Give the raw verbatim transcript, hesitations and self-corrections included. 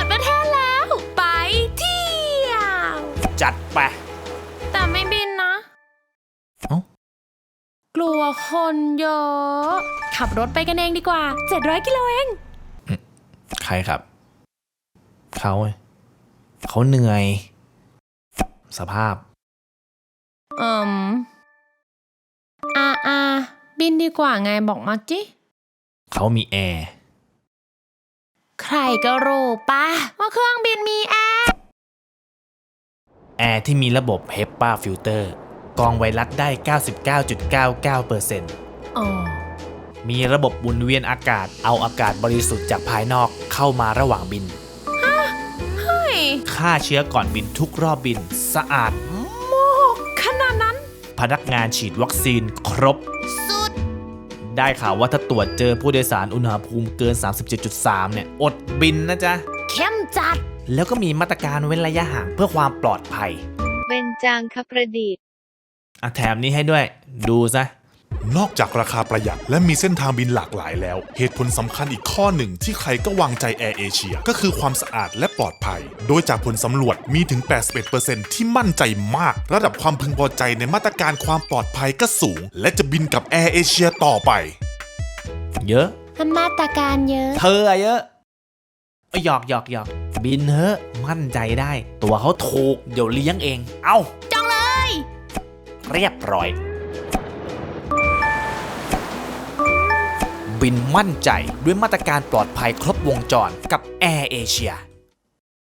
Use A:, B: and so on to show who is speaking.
A: ดประเทศแล้วไปเที่ยว
B: จัดไป
A: แต่ไม่บินนะ
B: เอ้
A: ากลัวคนเยอะขับรถไปกันเองดีกว่าเจ็ดร้อยกิโลเอง
B: ใครครับเขาเขาเหนื่อยสภาพ
A: อืมอาอาบินดีกว่าไงบอกมาจิ
B: เขามีแอร์
A: ใครก็รู้ปะว่าเครื่องบินมีแอร์
B: แอร์ที่มีระบบ เฮปา Filter กรองไวรัสได้ เก้าสิบเก้าจุดเก้าเก้าเปอร์เซ็นต์
A: อ๋อ
B: มีระบบหมุนเวียนอากาศเอาอากาศบริสุทธิ์จากภายนอกเข้ามาระหว่างบิน
A: เฮ้ย
B: ฆ่าเชื้อก่อนบินทุกรอบบินสะอาด
A: มากขนาดนั้น
B: พนักงานฉีดวัคซีนครบ
A: สุด
B: ได้ข่าวว่าถ้าตรวจเจอผู้โดยสารอุณหภูมิเกิน สามสิบเจ็ดจุดสาม เนี่ยอดบินนะจ๊ะ
A: เข้มจัด
B: แล้วก็มีมาตรการเว้นระยะห่างเพื่อความปลอดภัย
C: เบญจางคประดิษฐ์
B: อ่ะแถมนี้ให้ด้วยดูซะ
D: นอกจากราคาประหยัดและมีเส้นทางบินหลากหลายแล้วเหตุผลสำคัญอีกข้อหนึ่งที่ใครก็วางใจแอร์เอเชียก็คือความสะอาดและปลอดภัยโดยจากผลสำรวจมีถึง แปดสิบเอ็ดเปอร์เซ็นต์ ที่มั่นใจมากระดับความพึงพอใจในมาตรการความปลอดภัยก็สูงและจะบินกับแอร์เอเชียต่อไป
B: เยอะ
A: มาตรการเยอะ
B: เธอเยอะหยอกหยอกหยอกบินเถอะมั่นใจได้ตัวเขาถูกเดี๋ยวเลี้ยงเองเอ้า
A: จองเลย
B: เรียบร้อยบินมั่นใจด้วยมาตรการปลอดภัยครบวงจรกับแอร์เอเชีย